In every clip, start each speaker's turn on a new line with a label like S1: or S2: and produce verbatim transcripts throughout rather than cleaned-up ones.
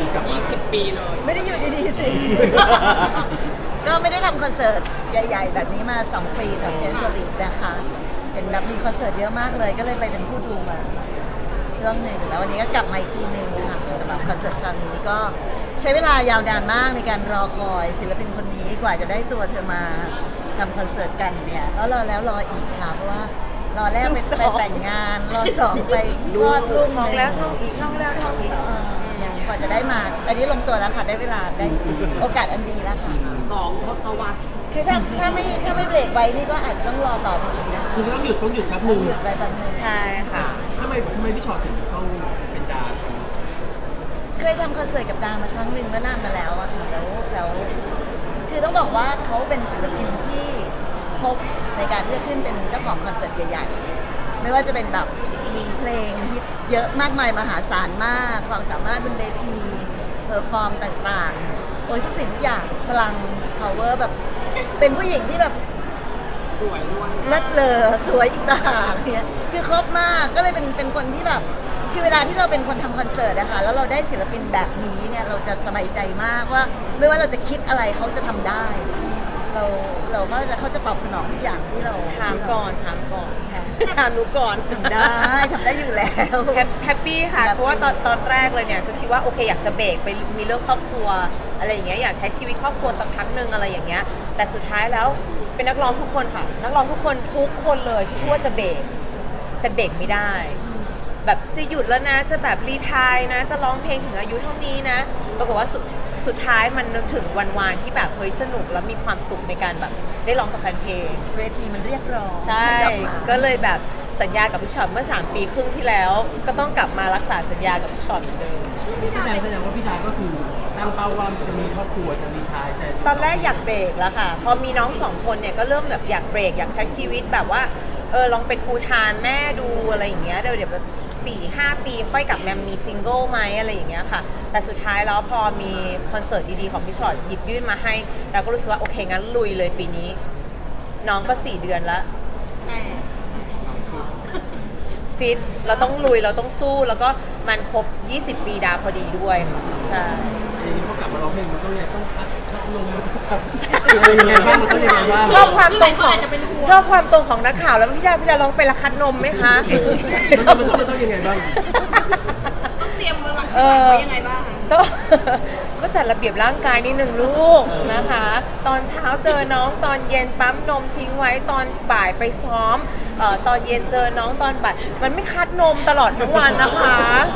S1: กลับมา
S2: ยี่สิบปีเลย
S3: ไม่ได้อยู่ดีๆสิ ก็ไม่ได้ทำคอนเสิร์ตใหญ่ๆแบบนี้มาสองปีสองเชนชอริสนะคะเห็นแบบมีคอนเสิร์ตเยอะมากเลยก็เลยไปเป็นผู้ดูมาช่วงหนึ่งแล้ววันนี้ก็กลับมาอีกทีหนึ่งค่ะสำหรับคอนเสิร์ตครั้งนี้ก็ใช้เวลายาวนานมากในการรอคอยศิลปินคนนี้กว่าจะได้ตัวเธอมาทำคอนเสิร์ตกันเนี่ยแล้วรอแล้วรออีกค่ะเพราะว่ารอแรกไปไปแต่งงานรอสองไปคลอดลูก
S4: ท้องแล้วท้องอีกท้องแล้วท้องอีก
S3: อย่างกว่าจะได้มาอันนี้ลงตัวแล้วค่ะได้เวลาได้โอกาสอันดีแล้วค่ะ
S2: สองทศวรรษ
S3: คือถ้าถ้าไม่ถ้าไม่เบรกไว้นี่ก็อาจจะต้องรอต่อไปอีกนะ
S1: คือต้องหยุดต้องหยุดแป๊บนึ
S3: ต้อง งหยุดไปแป๊บนึง
S4: ใช่ค่ะ
S1: ทำไมทำไมพี่ชอตถึงต้องเป็นดาครับ
S3: เคยทำคอนเสิร์ตกับดามาครั้งหนึ่งเมื่อนานมาแล้วอะค่ะแล้วแล้วคือต้องบอกว่าเขาเป็นศิลปินที่พบในการที่จะขึ้นเป็นเจ้าของคอนเสิร์ตใหญ่ๆไม่ว่าจะเป็นแบบมีเพลงฮิตเยอะมากมายมหาศาลมากความสามารถบนเวทีเพอร์ฟอร์มต่างๆโอ้ยทุกสิ่งทุกอย่างพลัง power แบบเป็นผู้หญิงที่แบบ
S2: สวยด้วย
S3: เลิศเลอสวยอีกต่างหากเนี่ยคือครบมากก็เลยเป็นเป็นคนที่แบบคือเวลาที่เราเป็นคนทำคอนเสิร์ตอะค่ะแล้วเราได้ศิลปินแบบนี้เนี่ยเราจะสบายใจมากว่าไม่ว่าเราจะคิดอะไรเขาจะทำได้ เราเราก็จะเขาจะตอบสนองทุกอย่างที่เรา
S4: ถามก่อนถามก่อน
S3: ค่ะ
S4: ถามหนูก่อน
S3: ทำได้ทำได้อยู่แล้ว
S4: แฮปแฮปปี้ค่ะ เพราะว่าตอนตอนแรกเลยเนี่ยคือคิดว่าโอเคอยากจะเบรกไปมีเรื่องครอบครัวอะไรอย่างเงี้ยอยากใช้ชีวิตครอบครัวสักพักหนึ่งอะไรอย่างเงี้ยแต่สุดท้ายแล้วเป็นนักร้องทุกคนค่ะ นักร้องทุกคนทุกคนเลยที่พูดว่าจะเบรกแต่เบรกไม่ได้ แบบจะหยุดแล้วนะจะแบบรีไทายนะจะร้องเพลงถึงอายุเท่านี้นะปรากฏว่าสุดสุดท้ายมันนึกถึงวันวานที่แบบเฮ้ยสนุกแล้วมีความสุขในการแบบได้ร้องกับแฟนเพลง
S3: เวทีมันเรียกร้อง
S4: ใช่
S3: ห้กลับมา
S4: ก็เลยแบบสัญญากับพี่ช็อตเมื่อสามปีครึ่งที่แล้ว ก็ต้องกลับมารักษาสัญญากับพี่ช็อตเหมือนเดิม
S1: แสดงแสดงว่าพี่ดาก็คือตั้งเป้าว่าจะมีครอบครัวจะมีทายแต่
S4: ตอนแรกอยากเบรกแล้วค่ะ พอมีน้องสองคนเนี่ยก็เริ่มแบบอยากเบรกอยากใช้ชีวิตแบบว่าเออลองเป็นฟูลไทม์แม่ดูอะไรอย่างเงี้ยเดี๋ยวเดี๋ยวแบบสี่ห้าปีค่อยกลับมามีซิงเกิลไหมอะไรอย่างเงี้ยค่ะ แต่สุดท้ายแล้วพอมีคอนเสิร์ตดีๆของพี่ช็อตหยิบยื่นมาให้เราก็รู้สึกว่าโอเคงั้นลุยเลยปีนี้ น้องก็สี่เดือนแล้วฟิตเราต้องลุยเราต้องสู้แล้วก็มันครบยี่สิบปีดาพอดีด้วยค่ะใช่
S1: ทีนี้เขากลับมาร้องเพลงมันต้องยังต้องพักพักลมมันต้องแบบเป็นยังไงบ้างมันต้องยังไงบ้าง
S4: ชอบความตรงของชอบความตรงของนักข่าวแล้วพี่ดาพี่ดาลองไปละคัดนมไหมคะ
S1: มันต้องมันต้องมันต้องยังไงบ้าง
S2: เตรียมเวลา
S4: เออ
S2: ไว้ยังไงบ้าง
S4: ก็ก็จัดระเบียบร่างกายนิดหนึ่งลูกนะคะ ตอนเช้าเจอน้องตอนเย็นปั๊มนมทิ้งไว้ตอนบ่ายไปซ้อมเอ่อตอนเย็นเจอน้องตอนบ่ายมันไม่คัดนมตลอดทั้งวันนะคะ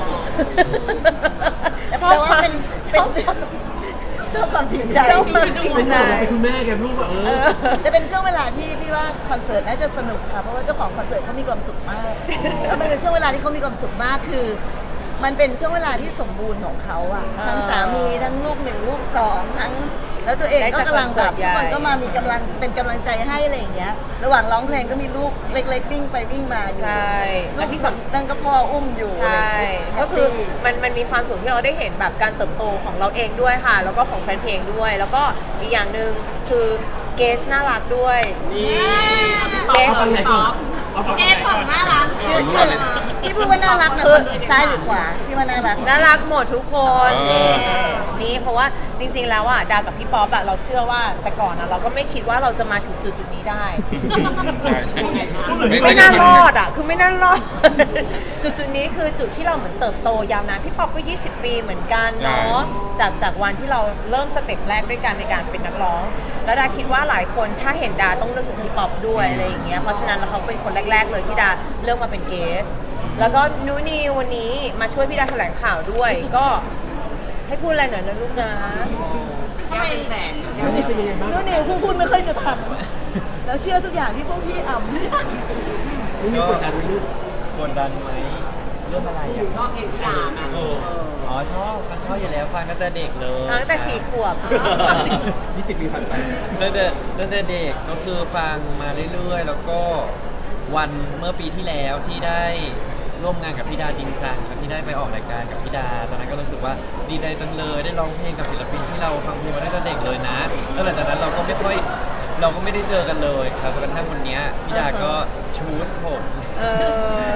S4: ชอบ
S3: แต่
S4: ค
S3: ว่า
S4: วาม
S3: เป็น
S4: ช
S3: เป็น
S4: อบความ
S3: ชอบความจริงใจ
S4: ชอบความจริง
S1: เป็นเราเป็นคุณแม่แกลูกแบบเออ
S3: จะเป็นช่วงเวลาที่พี่ว่าคอนเสิร์ตน่าจะสนุกค่ะเพราะว่าเจ้าของคอนเสิร์ตเขามีความสุขมากแล้วมันเป็นช่วงเวลาที่เขามีความสุขมากคือ มันเป็นช่วงเวลาที่สมบูรณ์ของเขาอะทั้งสามีทั้งลูกหนึ่งลูกสองทั้งแล้วตัวเองก็กำลังแบบทุกคนก็มามีกำลังเป็นกำลังใจให้อะไรอย่างเงี้ย ระหว่างร้องเพลงก็มีลูกเล็กๆวิ่งไปวิ่งมาอยู่
S4: ใช่
S3: ลู
S4: และ
S3: ก
S4: ที่
S3: ส
S4: ส
S3: องนั่นก็พ่ออุ้มอยู่
S4: ใช่
S3: แฮ
S4: ก็
S3: ป
S4: คือ
S3: ปี้
S4: มันมันมีความสุขที่เราได้เห็นแบบการเติบโตของเราเองด้วยค่ะ แล้วก็ของแฟนเพลงด้วย แล้วก็อีกอย่างหนึ่งคือเกสน่ารักด้วย
S2: นี่
S4: เกส
S1: เอาฝั่งไหนก่อนเอาฝั่งไหน
S2: แก
S1: ก่
S2: ฝั่
S1: อง น
S2: น่ารัก
S3: คือคือที่พูดว่าน่ารักนะคนซ้ายหรือขวาที่ว่าน่ารัก
S4: น่ารักหมดทุกคนนี่เพราะว่าจริง ๆ แล้วอ่ะดากับพี่ป๊อปอะเราเชื่อว่าแต่ก่อนอะเราก็ไม่คิดว่าเราจะมาถึงจุดจุดๆนี้ได้ ไม่น่ารอดอ่ะ คือไม่น่ารอด จุดจุดๆนี้คือจุดที่เราเหมือนเติบโตยาวนานพี่ป๊อปก็ยี่สิบปีเหมือนกันเนาะ จากจากวันที่เราเริ่มสเต็ปแรกด้วยกันในการเป็นนักร้อง แล้วดาคิดว่าหลายคนถ้าเห็นดาต้องนึกถึงพี่ป๊อปด้วยอะไรอย่างเงี้ย เพราะฉะนั้นแล้วเขาเป็นคนแรก ๆ เลยที่ดาเลือกมาเป็นเกส แล้วก็นูนีวันนี้มาช่วยพี่ดาแถลงข่าวด้วย ก็ให้พูดอะไรหน่อยนะลูกนะ
S2: ทำไมแสน
S1: แล้วนี่เป็นยังไงบ้าง
S3: นู่นนี่พวกพูดไม่ค่อยจะทันแล้วเชื่อทุกอย่างที่พวกพี่อ่ำ
S1: นี่มีกดดันไหมลูก
S5: กดดันไหมเรื่องอะไรอ่ะ
S2: ชอบเพลงพี่ดาไหม
S5: เอออ๋อชอบมันชอบอยู่แล้วฟังตั้งแต่เด็กเลย
S4: ตั้งแต่สี่ขวบ
S1: ยี่สิบปีผ่านไป
S5: ตั้งแต่ตั้งแต่เด็กก็คือฟังมาเรื่อยๆ แล้วก็วันเมื่อปีที่แล้วที่ได้ร่วมงานกับพี่ดาจริงจังแล้วที่ได้ไปออกรายการกับพี่ดาตอนนั้นก็รู้สึกว่าดีใจจังเลยได้ร้องเพลงกับศิลปินที่เราฟังเพลงมาตั้งแต่เด็กเลยนะแล้วหลังจากนั้นเราก็ไม่ค่อยเราก็ไม่ได้เจอกันเลยครับจนกระทั่งวันเนี้ยพี่ดาก็ชูสผม
S4: เออ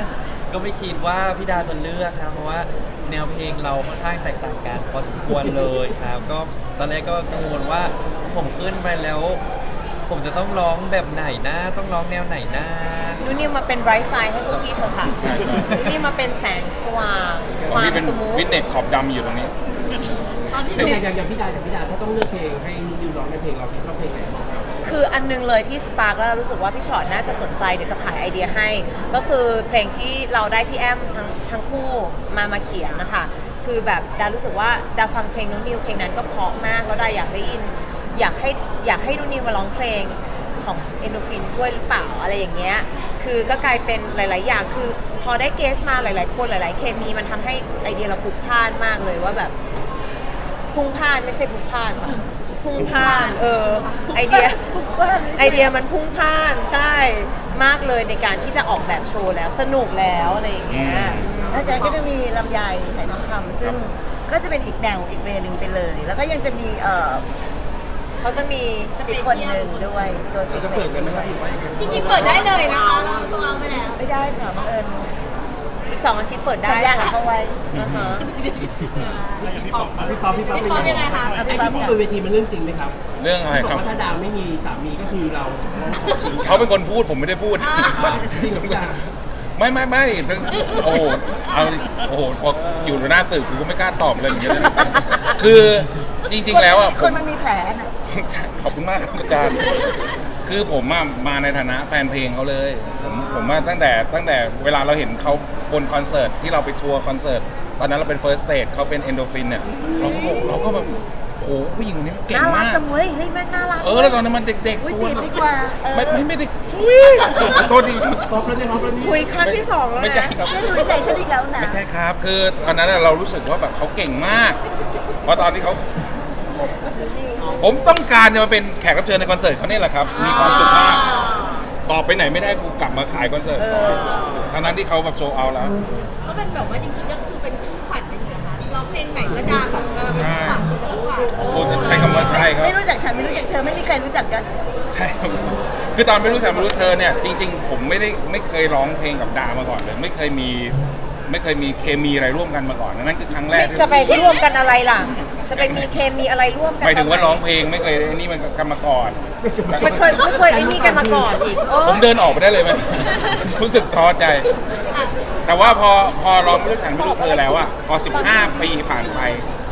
S5: ก็ไม่คิดว่าพี่ดาจะเลือกครับเพราะว่าแนวเพลงเราค่อนข้างแตกต่างกันพอสมควรเลยครับ ก็ตอนแรกก็กังวลว่าผมขึ้นไปแล้ว ผมจะต้องร้องแบบไหนนะต้องร้องแนวไหนนะ
S4: นูนิวมาเป็นไบรท์ไซด์ให้พวกพี่เธอะค่ะนูนิวมาเป็นแสงสว่าง
S6: ของ
S4: ความ
S6: พี่เป็น
S4: สมูท
S6: ฟิตเนสขอบดำอยู่ตรงนี้
S2: ตอนที่
S1: อย่างอย่างอย่างพี่ดาอย่างพี่ดาถ้าต้องเลือกเพลงให้นิวร้องในเพลงเราคิดว่าเพลงไหนเหมาะกับ
S4: คืออันนึงเลยที่สปาร์กแล้วรู้สึกว่าพี่ชอตน่าจะสนใจเดี๋ยวจะขายไอเดียให้ ก็คือเพลงที่เราได้พี่แอมทั้งทั้งคู่มามาเขียนนะคะคือแบบดารู้สึกว่าดาฟังเพลงน้องนิวเพลงนั้นก็เพราะมากแล้วดาอยากได้ยินอยากให้อยากให้น้องนิวมาร้องเพลงของเอนโดฟินด้วยหรือเปล่าอะไรอย่างเงี้ยคือก็กลายเป็นหลาย ๆ อย่างคือพอได้เกสมาหลาย ๆ คนหลาย ๆ เคมีมันทำให้ไอเดียเราพลุกพล่านมากเลยว่าแบบพุ่งพล่านไม่ใช่พลุกพล่านค่ะพุ่งพล่านเออไอเดีย ไอเดียมันพุ่งพล่านใช่มากเลยในการที่จะออกแบบโชว์แล้วสนุกแล้วอะไรอย่างเงี้ย
S3: แล้วจากนั้นก็จะมีลำไยไหทองคำซึ่งก็จะเป็นอีกแนวอีกเวย์หนึ่งไปเลย แล้วก็ยังจะมีเอ่อ
S4: เขาจะมี
S3: อีกคนหนึ่งด้วยตัวซิง
S1: จะ
S3: เกิ
S1: เปิ
S3: ล
S1: ดกันไหม
S3: ด้
S1: คว รับ
S3: ย
S1: หรือว่ายังไง
S2: จริงๆเปิดได้เลยนะคะเราตัวเอาไปแล้ว
S3: ไม่ได้ค่ะบังเอิญ
S4: อีกสองอาทิตย์เปิดได้
S3: สัญญากับ
S4: ค่ะ
S3: เขาไว้
S4: อ่าฮะ
S1: พี่ป๊อปพี่ป๊อป
S2: พี่ป๊อปยังไงคะ
S1: ไอ้ที่พูดบนเวทีมันเรื่องจริงไหมครับ
S6: เรื่องอะไร
S1: บ
S6: ค
S1: อ
S6: รั
S1: ก
S6: บ
S1: ว่าถ้าดาวไม่มีสามีก็คือเราร้องขอชีวิต
S6: เขาเป็นคนพูดผมไม่ได้พูด
S1: จริงเหรอพี่ดา
S6: ไม่ไม่ไม่โอ้โหเอาโอ้โหพออยู่หน้าสื่อกูก็ไม่กล้าตอบเลยอย่างเงี้ยเลยคือจริง ๆ แล้วอ่ะ
S3: คนมันมีแผลน่ะ
S6: ขอบคุณมากครับอาจารย์คือผมอะมาในฐานะแฟนเพลงเขาเลย ผมผมว่าตั้งแต่ตั้งแต่เวลาเราเห็นเขาบนคอนเสิร์ตที่เราไปทัวร์คอนเสิร์ตตอนนั้นเราเป็น First Stage เขาเป็น Endorphin เนี่ยเราก็เราก็แบบโหผู้หญิงคนนี้มันเก่ง
S4: น่ารัก
S6: มาก
S4: จังเว้ยเฮ้ยแม่งน่ารัก
S6: เออแล้วตอนนั้นมันเด็ก
S3: อุ้ย
S6: ๆตัว
S3: จีบดีกว่า
S6: ไม่ไม่ไม่ได้ทุยโทษดี
S1: ป๊อปแล้วเนี่ยป๊อปแล้วนี่
S4: คุยครั้งที่สองแล้ว
S6: ไม่ใช่
S4: นะครับ
S3: ไม่ดูนิสัยฉันอีกแล้วนะ
S6: ไม่ใช่ครับ คือตอนนั้นเรารู้สึกว่าแบบเขาเก่งมาก เพราะตอนที่เขาผมต้องการจะมาเป็นแขกรับเชิญในคอนเสิร์ตเขาเนี่ยแหละครับ มีความสุขมากตอบไปไหนไม่ได้กูกลับมาขายคอนเสิร์ตต่อทั้งนั้นที่เขาแบบโซเอาแล้ว
S2: ก็เป็นแบบว่าจริงๆก็คือเป็นคู่ขวัญเป็นอย่างไรคะร้องเพลงไหนก็ดังเออเป็นคู่ขวัญคู่ขวัญ
S6: โอ้ใช้คำว่าใช่ครับ
S3: ไม่รู้จักฉันไม่รู้จักเธอไม่มีใครรู้จักกัน
S6: ใช่ครับคือตอนไม่รู้จักไม่รู้เธอเนี่ยจริง ๆ ผมไม่ได้ไม่เคยร้องเพลงกับดามาก่อนเลย ไม่เคยมีไม่เคยมีเคมีอะไรร่วมกันมาก่อนนั่นคือครั้งแรกที่
S4: จะไปร่วมกันอะไรล่ะ จะไปมีเคมีอะไรร่วมกัน
S6: หมายถึงว่า
S4: ตนไหน
S6: ร้องเพลงไม่เคยไอ้นี่มันกันมาก่อน
S4: มันเคยไม่เคยไอ้นี่กันมาก่อนอีกโอ้
S6: ผมเดินออกไปได้เลยไหม รู้สึกท้อใจ แต่ว่าพอพอร้องไม่รู้ฉันไม่รู้เธอแล้วอะพอสิบห้าปีผ่านไป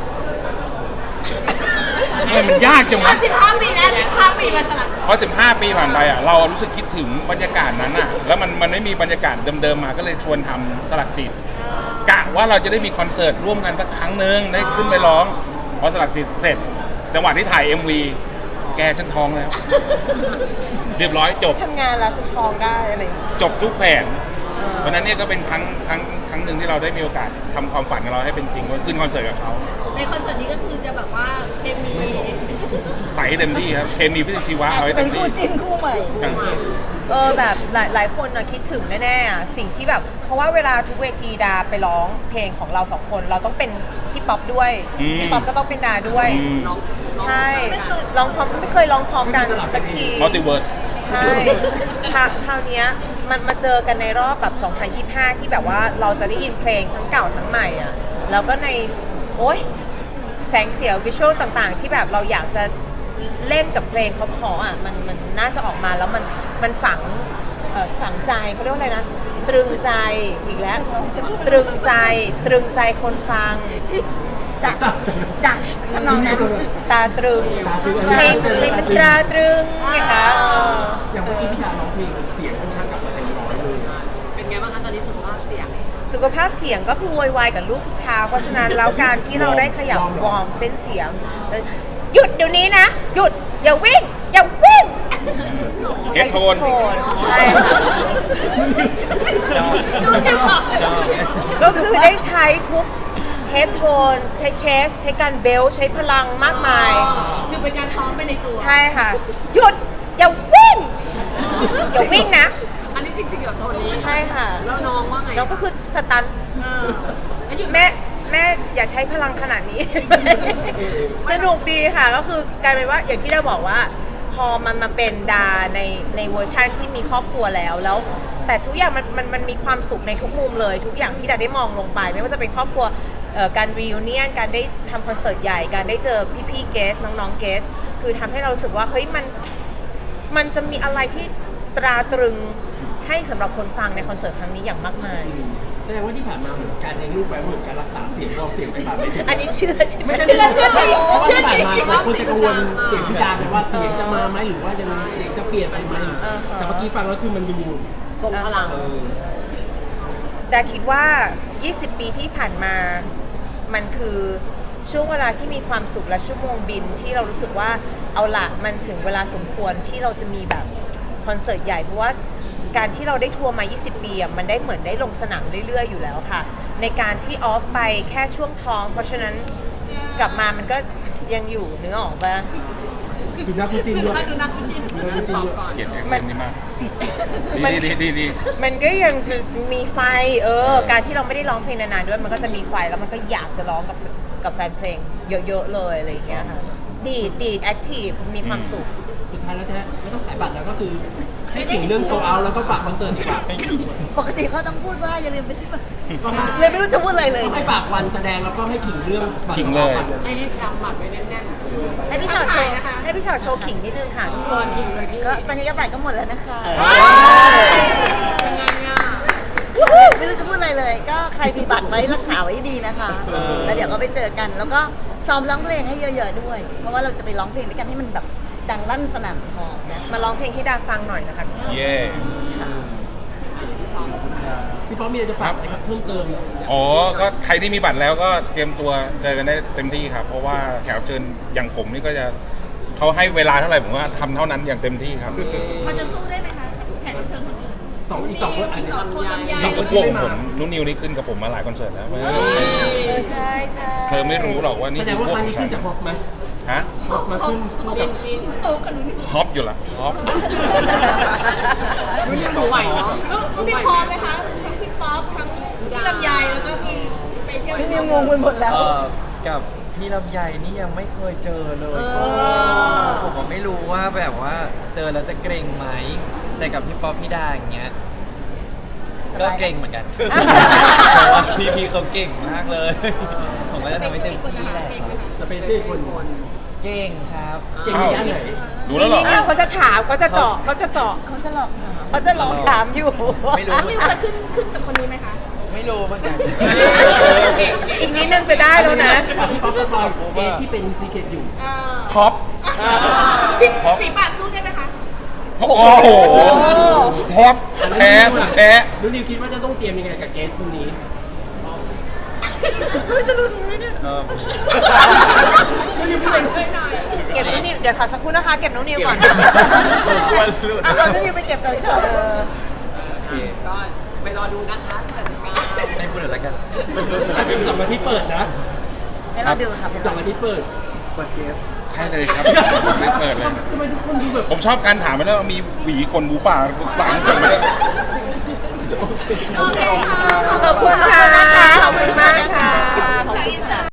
S6: เฮ้ยมันยากจังวะ
S2: สิบห้าปีแล้วสิบห้าปีมาสลับ
S6: พอสิบห้าปีผ่านไปอะเรารู้สึกคิดถึงบรรยากาศนั้นอะแล้วมันมันไม่มีบรรยากาศเดิมๆมาก็เลยชวนทำสลักจิตกะว่าเราจะได้มีคอนเสิร์ตร่วมกันสักครั้งหนึ่งได้ขึ้นไปร้องพอสลักจิตเสร็จ จังหวะที่ถ่าย เอ็ม วี แกฉันท้องแล้ว เรียบร้อยจบ
S4: ทำงานแล้วฉันทองได้อะไรอย่างเงี้ย
S6: จบทุกแผนวันนั้นเนี่ยก็เป็นครั้งครั้งครั้งหนึ่งที่เราได้มีโอกาสทำความฝันของเราให้เป็นจริงว่าขึ้นคอนเสิร์ตกับเขา
S2: ในคอนเสิร์ตนี้ก็คือจะแบบว่าเคมี
S6: ใส่ให้เต็มที่ครับเคมีฟิสิกส์ชีวะเอาให้
S3: เป็
S6: เต็
S3: น
S6: ม
S3: คู่
S6: ที่
S3: จิ้นคู่ใหม่
S6: ครับ
S4: เออแบบหลายหลายคนนะคิดถึงแน่ๆอ่ะสิ่งที่แบบเพราะว่าเวลาทุกเวทีดาไปร้องเพลงของเราสองคนเราต้องเป็นพี่ป๊อปด้วยพี่ป๊อปก็ต้องเป็นดาด้วย
S6: อืม
S4: ใช่ร้องพร้อมไม่เคยร้องพร้อมกันสักที
S6: มัลติเวิร์ด
S4: ใช่คราคราวเนี้ยมันมาเจอกันในรอบแบบสองพันยี่สิบห้าที่แบบว่าเราจะได้ยินเพลงทั้งเก่าทั้งใหม่อ่ะแล้วก็ในโอ๊ยแสงเสียงวิชวลต่างๆ ที่แบบเราอยากจะเล่นกับเพลงเพราะๆอ่ะมันมันน่าจะออกมาแล้วมันมันฝังเอ่อฝังใจเขาเรียกว่าอะไรนะตรึงใจอีกแล้วตรึงใจตรึงใจคนฟัง
S3: จ้ะจ้ะทำนองนั้น
S4: ตาตรึงเพลงเพลงมันตราตรึงไงคะเออ
S1: อย่างเมื่อกี้พี่ดาร้องเพลงเสียงค่อนข้างกลับมาเต็มร้อยเลย
S2: เป็นไงบ้างคะตอนนี้สุขภาพเสียง
S4: สุขภาพเสียงก็คือโวยวายกับลูกทุกเช้าเพราะฉะนั้นแล้วการที่เราได้ขยับวอร์มเส้นเสียงเอ่อหยุดเดี๋ยวนี้นะ หยุดอย่าวิ่งอย่าวิ่ง
S6: เช็ดโทน
S4: ใช่ค่ะ
S5: ชอบชอบ
S4: ก็คือได้ใช้ทุกเฮดโทนใช้เชส ใช้การเบลใช้พลังมากมาย
S2: คือเป็นการซ้อมไปในตัว
S4: ใช่ค่ะ หยุดอย่าวิ่งอย่าวิ่งนะ
S2: อันนี้จริงๆกับโทนนี้
S4: ใช่ค่ะ
S2: แล้วน้องว่าไง
S4: แล้วก็คือสตัน
S2: เออแล้วหยุด
S4: แม่แม่อย่าใช้พลังขนาดนี้ สนุกดีค่ะก็คือกลายเป็นว่าอย่างที่เราบอกว่า พอมันมาเป็นดาในในเวอร์ชันที่มีครอบครัวแล้วแล้วแต่ทุกอย่างมันมันมันมีความสุขในทุกมุมเลย ทุกอย่างที่ดาได้มองลงไป ไม่ว่าจะเป็นครอบครัวเอ่อการรีวิเนียนการได้ทำคอนเสิร์ตใหญ่การได้เจอพี่ๆเกสน้องๆเกสคือทำให้เรารู้สึกว่าเฮ้ยมันมันจะมีอะไรที่ตราตรึงให้สำหรับคนฟังในคอนเสิร์ตครั้งนี้อย่างมากมาย
S1: แสดงว่าที่ผ่านมาเหมือนการเลี้ยงลูกไปเหมือนการรักษาเสียงเราเสียงไปแบบไม่ถึง
S4: อันนี้เชื่อใช่ไหม
S1: ไม่ใช่
S4: เชื่อเชื่อจริง
S1: เพราะว่า
S4: เชื่อ
S1: ที่
S4: จ
S1: ผ่าน
S4: ริง
S1: มาหลายคนจะกังวลเสียงพี่ดาเลยว่าเสียงจะมาไหมหรือว่ายังเสียงจะเปลี่ยนไปไหม
S4: อ่าฮะ
S1: แต่เมื่อกี้ฟังแล้วคือมันดู
S2: ทรงพลัง
S1: เออ
S4: ดาคิดว่า ยี่สิบ ปีที่ผ่านมา มันคือช่วงเวลาที่มีความสุขและชั่วโมงบินที่เรารู้สึกว่าเอาละมันถึงเวลาสมควรที่เราจะมีแบบคอนเสิร์ตใหญ่เพราะว่าการที่เราได้ทัวร์มา ยี่สิบ ปีอะมันได้เหมือนได้ลงสนามเรื่อยๆอยู่แล้วค่ะ ในการที่ออฟไปแค่ช่วงท้อง เพราะฉะนั้นกลับมามันก็ยังอยู่เนื้อออกปะ
S1: ดูนักคุณจินด้วย
S2: ดูนักคุณจิน
S1: ดูนักคุณจินด้วย
S6: เขียนแอคเซนต์นี่มาก
S4: มัน
S6: ดีดีดีดี
S4: มันก็ยังจะมีไฟ เออ การที่เราไม่ได้ร้องเพลงนานๆด้วย มันก็จะมีไฟแล้วมันก็อยากจะร้องกับกับแฟนเพลงเยอะๆเลยอะไรอย่างเงี้ยค่ะ ดีดดีดแอคทีฟ มีความสุข
S1: สุดท้ายแล้วจะไม่ต้องขายบัตรแล้วก็คือให้ถึงเรื่องโซเอาแล้วก็ฝากคอนเสิร์ตดีกว่า
S3: ปกติเขาต้องพูดว่าอย่าลืมไปซื้อบัตร
S1: ก็ให้
S3: เลยไม่รู้จะพูดอะไรเลย
S1: ให้ฝากวันแสดงแล้วก็ให้ขิงเรื่องบัตร
S6: ขิงเลย
S2: ให้ให้จำหมัดไว้แน่น
S4: ให้พี่ชอตโชว์
S2: นะคะ
S4: ให้พี่ชอตโชว์ขิงนิดนึงค่ะทุก
S2: ๆ
S4: ค
S2: ตัวน ขิงเลยที่
S3: ก็ตอนนี้ก็บัตรก็หมดแล้วนะคะ
S2: เป็นไงอ่ะ
S3: ไม่รู้จะพูดอะไรเลย ก็ใครมีบัตรไว้รักษาไว้ดีนะคะ แล้วเดี๋ยวก็ไปเจอกัน แล้วก็ซ้อมร้องเพลงให้เยอะๆด้วย เพราะว่าเราจะไปร้องเพลงด้วยกันให้มันแบบดังลั่นสนั่นพอนะ
S4: มาร้องเพลงให้ดาฟังหน่อยนะคะ
S6: เย่
S1: พี่ป๊อปมีอะไรจะฝากไหมครับเพิ่มเติม
S6: อ๋อ ก็ใครที่มีบัตรแล้วก็เตรียมตัวเจอกันได้เต็มที่ครับ เพราะว่าแขกรับเชิญอย่างผมนี่ก็จะเขาให้เวลาเท่าไหร่ผมว่าทำเท่านั้นอย่างเต็มที่ครับ
S2: มันจะสู้ได้ไหมคะแขกรับเชิญคนอื่น
S1: สองอีกสองคนอัน
S2: อี
S1: นี้
S2: กสองคนลำไย
S1: สองคน
S6: พวกผมนุ่นนิวนี่ขึ้นกับผมมาหลายคอนเสิร์ตแล้ว
S4: เออใช่ใช่
S6: เธอไม่รู้หรอกว่านี่
S1: แสด
S6: คื
S1: ง
S6: อ
S1: ว่า
S6: พว
S1: ค
S6: ก
S1: รั้ง
S6: ผู้
S1: นี้
S6: ชา
S1: ขึ้
S6: ย
S1: นจากฮอปไหม
S6: ฮะ
S1: ฮอปมาขึ้นเข้ากับ
S6: ฮอปอยู่ละฮอป
S2: ไหวเนาะลูกนี่พร้อมไหมคะทั้งพี่ป๊อปทั้งพี่ลำไยแล้วก็มีไปเที่ยว
S3: พี่นิวงงไปหมดแล้ว
S5: เออกับพี่ลำไยนี่ยังไม่เคยเจอเลยผมก็ไม่รู้ว่าแบบว่าเจอแล้วจะเกรงไหมแต่กับพี่ป๊อปพี่ดาอย่างเงี้ยก็เกรงเหมือนกันเพราะว่าพี่พี่เขาเก่งมากเลย ผมก็จะทำให้เต็มที่แหละ
S1: สเปเชียลคน
S5: เก่งครับ
S1: เก่งในด้านไหน
S6: รู้แล้วเหรอ
S4: นี่เขาจะถามเขาจะเจาะเขาจะเจาะ
S3: เขาจะหลอกถาม
S4: เขาจะลองถามอยู่
S5: ไม่รู้
S2: นิวเคยขึ้นขึ้นกับคนนี้ไหมคะ
S5: ไม่รู้เหมือนกัน
S4: อีกนิดนึงจะได้แล้วนะ
S1: พี่ป๊อปสปอยเกย์ที่เป็นซีเคทอยู่
S2: เออ
S6: ฮอป ฮอป
S2: สีปากสู้ได้ไหมคะ
S6: โอ้โหฮอปแพ้แพ้
S1: ดูนิวคิดว่าจะต้องเตรียมยังไงกับเกย์คนนี้
S5: เออ
S4: เก็บน้องนิวเดี๋ยวขอสักครู่นะคะ เก็บน้องนิวก่อน
S5: ควรหลุด
S3: เอาพี่นิวไปเก็บเลยค่ะ
S5: โอเคก็ไปรอดูนะคะให้พูดหน่อยละกัน
S1: สองอาทิตย์เปิดนะ
S3: ให้เราดูค่ะ
S1: สองอาทิตย์เปิด
S6: ใช่เลยครับไม่เปิดเลย
S1: ทำไมทุกคนดูแบบ
S6: ผมชอบการถามไปแล้วามีหวีคนบูป่าสามคนไม่ได้
S2: โอเคค่ะ
S4: ขอบคุณค่ะ ขอบคุณมากค่ะ